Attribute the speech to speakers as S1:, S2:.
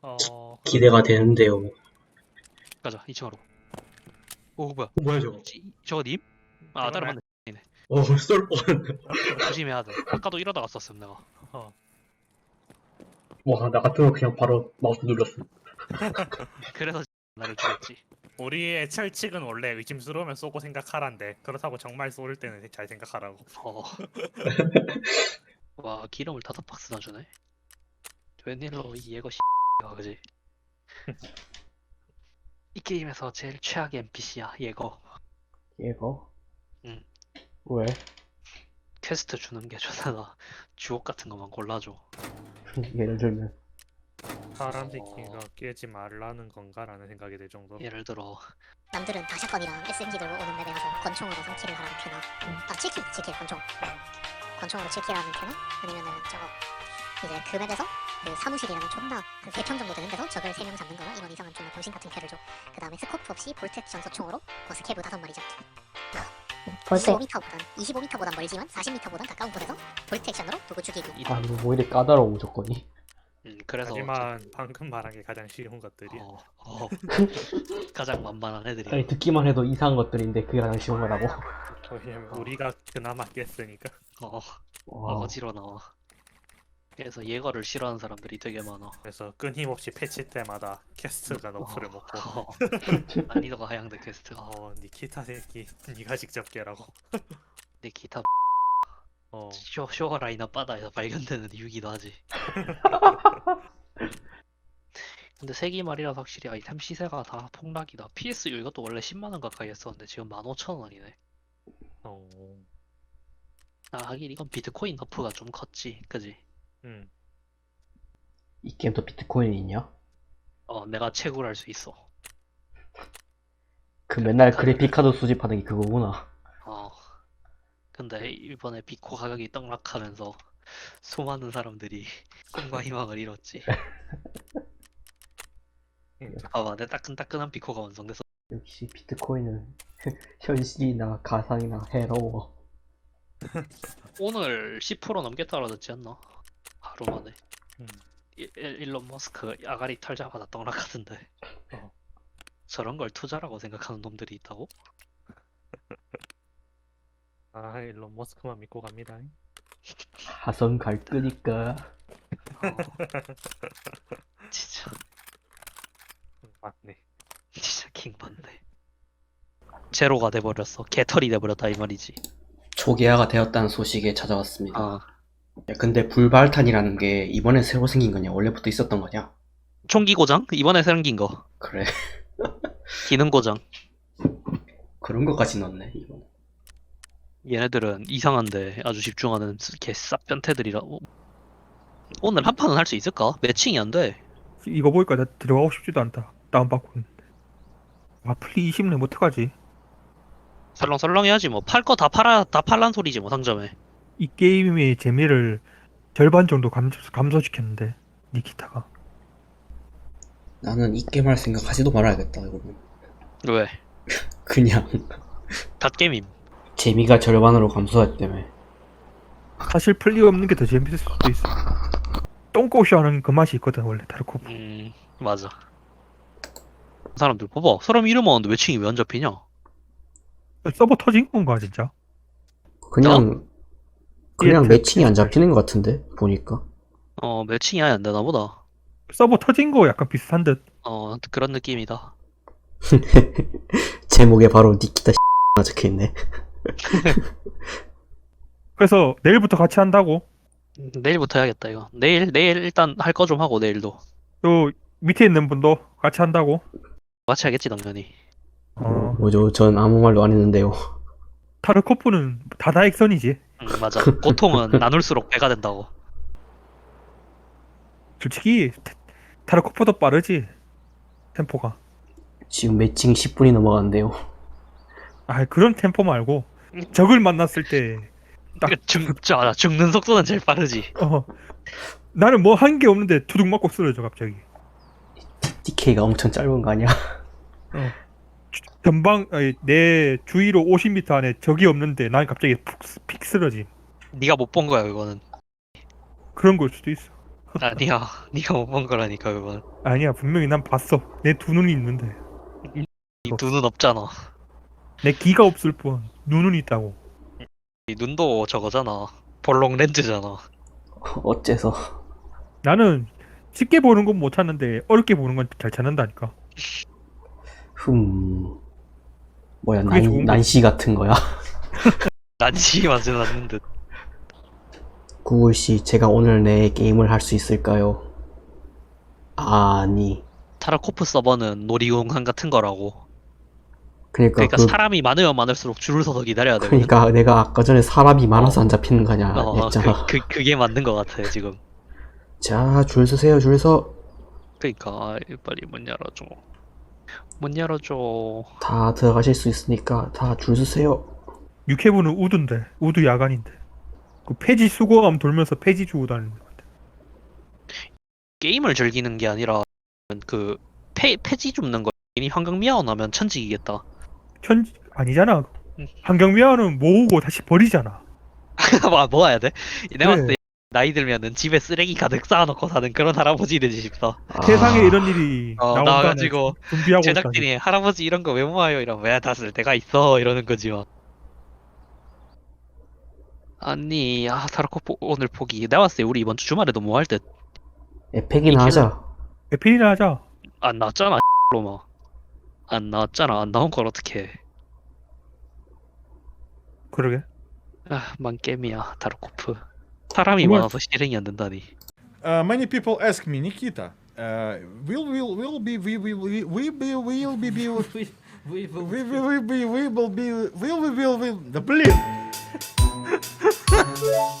S1: 기대가 되는데요.
S2: 가자 2층으로. 오 뭐야?
S1: 뭐야 저거?
S2: 저거 님? 아
S3: 저거
S2: 다른
S3: 나.
S2: 맞네. 네.
S1: 쏠 뻔.
S2: 조심해야 돼. 아까도 이러다가 썼음 내가.
S1: 와, 나 같으면 그냥 바로 마우스 눌렀어.
S2: 그래서 나를 죽였지.
S3: 우리의 철칙은 원래 의심스러우면 쏘고 생각하란데 그렇다고 정말 쏠 때는 잘 생각하라고.
S2: 어. 와 기름을 5박스나 주네. 웬일로 이 예거 야 그지? 이 게임에서 제일 최악의 NPC야 예거.
S4: 얘가?
S2: 응.
S4: 왜?
S2: 퀘스트 주는 게 존나 주옥 같은 것만 골라줘.
S4: 예를 들면
S3: 사람들끼리가 깨지 말라는 건가라는 생각이 들 정도로.
S2: 예를 들어
S5: 남들은 다 샷건이랑 SMG 들고 오는 맵에 가서 권총으로 3킬을 하라는 캐나 아 7킬 권총으로 7킬 하는 캐나 아니면은 저거 이제 그 맵에서 그 사무실이라는 존나 한 3평 정도 되는 데서 적을 3명 잡는 거나 이런 이상한 존나 병신 같은 캐를 줘. 그 다음에 스코프 없이 볼텍 전소총으로 버스 캐브 5마리 잡기.
S4: 벌써
S5: 25m보단 멀지만 40m보단 가까운 곳에서 볼텍션으로 누구 죽이기.
S4: 아 이거 뭐 이리 까다로워 조건이.
S2: 그래서
S3: 하지만 방금 말한 게 가장 쉬운 것들이야.
S2: 가장 만만한 애들이.
S4: 아니 듣기만 해도 이상한 것들인데 그게 가장 쉬운 거라고.
S3: 왜냐면 우리가 그나마 깼으니까.
S4: 와.
S2: 어지러 나와. 그래서 예거를 싫어하는 사람들이 되게 많아.
S3: 그래서 끊임없이 패치 때마다 캐스트가 너프를 먹고.
S2: 난이도가 하향돼 퀘스트가.
S3: 니키타 새끼 니가 직접 깨라고.
S2: 내 기타
S3: 어.
S2: 쇼 라인업 바다에서 발견되는 이유기도 하지. 근데 세기말이라 확실히 아이템 시세가 다 폭락이다. PSU 이것도 원래 10만원 가까이 했었는데 지금 15,000원이네. 아 하긴 이건 비트코인 너프가 좀 컸지 그지?
S4: 이 게임도 비트코인이 있냐?
S2: 내가 채굴 할 수 있어.
S4: 그 맨날 그래픽카드 수집하는 게 그거구나.
S2: 근데 이번에 비코 가격이 떡락하면서 수많은 사람들이 꿈과 희망을 잃었지. 봐봐 내 따끈따끈한 비코가 완성돼서.
S4: 역시 비트코인은 현실이나 가상이나 해로워.
S2: 오늘 10% 넘게 떨어졌지 않나? 하루 만에. 일론 머스크 아가리 털자마자 떡락하던데. 저런 걸 투자라고 생각하는 놈들이 있다고?
S3: 일론 머스크만 믿고 갑니다.
S4: 하선 갈 거니까.
S2: 진짜
S3: 맞네.
S2: 진짜 킹받네. 제로가 돼버렸어. 개털이 돼버렸다 이 말이지.
S1: 초기화가 되었다는 소식에 찾아왔습니다.
S2: 아,
S1: 야, 근데 불발탄이라는 게 이번에 새로 생긴 거냐? 원래부터 있었던 거냐?
S2: 총기 고장? 이번에 생긴 거.
S1: 그래.
S2: 기능 고장.
S1: 그런 것까지 넣었네, 이번.
S2: 얘네들은 이상한데 아주 집중하는 개 싹 변태들이라. 오늘 한 판은 할 수 있을까? 매칭이 안 돼.
S6: 이거 보니까 나 들어가고 싶지도 않다. 다운받고 있는데. 플리 20내 못해가지.
S2: 설렁설렁 해야지 뭐. 팔 거 다 팔란 소리지 뭐 상점에.
S6: 이 게임의 재미를 절반 정도 감소시켰는데 니키타가.
S1: 나는 이 게임 할 생각 하지도 말아야겠다, 이거는.
S2: 왜?
S1: 그냥
S2: 갓게임임.
S1: 재미가 절반으로 감소했기 때문에.
S6: 사실 플리 없는 게 더 재밌을 수도 있어. 똥꼬쇼하는 그 맛이 있거든 원래 타르코프.
S2: 맞아. 사람들 봐봐. 사람 이름 왔는데 매칭이 왜 안 잡히냐?
S6: 서버 터진 건가 진짜?
S1: 그냥
S6: 예,
S1: 매칭이 안 잡히는 것 같은데, 보니까.
S2: 매칭이 아예 안 되나 보다.
S6: 서버 터진 거 약간 비슷한 듯.
S2: 그런 느낌이다.
S1: 제목에 바로 니키타 적혀있네.
S6: 그래서 내일부터 같이 한다고.
S2: 내일부터 해야겠다 이거. 내일 일단 할 거 좀 하고 내일도
S6: 또 밑에 있는 분도 같이 한다고.
S2: 같이 하겠지 당연히.
S1: 뭐죠? 전 아무 말도 안 했는데요.
S6: 타르코프는 다다익선이지.
S2: 맞아. 고통은 나눌수록 배가 된다고.
S6: 솔직히 타르코프도 빠르지 템포가.
S1: 지금 매칭 10분이 넘어갔는데요.
S6: 그런 템포 말고 적을 만났을 때 딱
S2: 죽는 속도는 제일 빠르지.
S6: 나는 뭐 한 게 없는데 두둑 맞고 쓰러져 갑자기.
S1: DK가 엄청 짧은 거 아니야?
S6: 전방 내 주위로 50m 안에 적이 없는데 난 갑자기 픽 쓰러짐.
S2: 네가 못 본 거야 그거는.
S6: 그런 걸 수도 있어.
S2: 아니야, 네가 못 본 거라니까 그건.
S6: 아니야 분명히 난 봤어. 내 두 눈이 있는데.
S2: 이 눈은 없잖아.
S6: 내 귀가 없을 뿐 눈은 있다고.
S2: 이 눈도 저거잖아. 볼록 렌즈잖아.
S1: 어째서.
S6: 나는 쉽게 보는 건 못 찾는데 어렵게 보는 건 잘 찾는다니까.
S1: 뭐야,
S6: 그게 좋은 거지.
S1: 난시 같은 거야?
S2: 난시 맞진 않는 듯.
S1: 구글씨, 제가 오늘 내 게임을 할 수 있을까요? 아니.
S2: 타라코프 서버는 놀이공원 같은 거라고.
S1: 그러니까
S2: 그러니까 사람이 많으면 많을수록 줄을 서서 기다려야 돼.
S1: 그러니까 내가 아까 전에 사람이 많아서 안 잡히는 거냐 했잖아.
S2: 그게 맞는 거 같아 지금.
S1: 자, 줄 서세요, 줄 서.
S2: 그러니까 빨리 문 열어줘. 문 열어줘.
S1: 다 들어가실 수 있으니까 다 줄 서세요.
S6: 육해부는 우드인데 우드 야간인데. 그 폐지 수거함 돌면서 폐지 주고 다니는 거 같아.
S2: 게임을 즐기는 게 아니라 그 폐지 줍는 거. 괜히 환경 미화원하면 천직이겠다.
S6: 아니잖아.
S2: 응.
S6: 환경미화는 모으고 다시 버리잖아.
S2: 뭐 모아야 돼? 내가 봤을
S6: 그래.
S2: 때 나이 들면은 집에 쓰레기 가득 쌓아놓고 사는 그런 할아버지 되지 싶다.
S6: 세상에 이런 일이
S2: 어, 나와가지고
S6: 준비하고 있다니.
S2: 제작진이 할아버지 이런 거 왜 모아요? 이러면 왜 다 쓸 데가 있어? 이러는 거지만. 아니, 타라코프 오늘 포기. 내가 봤을 때 우리 이번 주 주말에도 뭐 할 듯.
S1: 에펙이나 하자.
S6: 에필이나 하자.
S2: 안 나왔잖아, 로마. 안 나왔잖아. 안 나온 걸 어떻게 해.
S6: 그러게.
S2: 만게임이야, 타라코프. 사람이
S6: 정말-
S2: 많아서 실행이 안 된다니.
S7: Many people ask me, Nikita, will be the blin.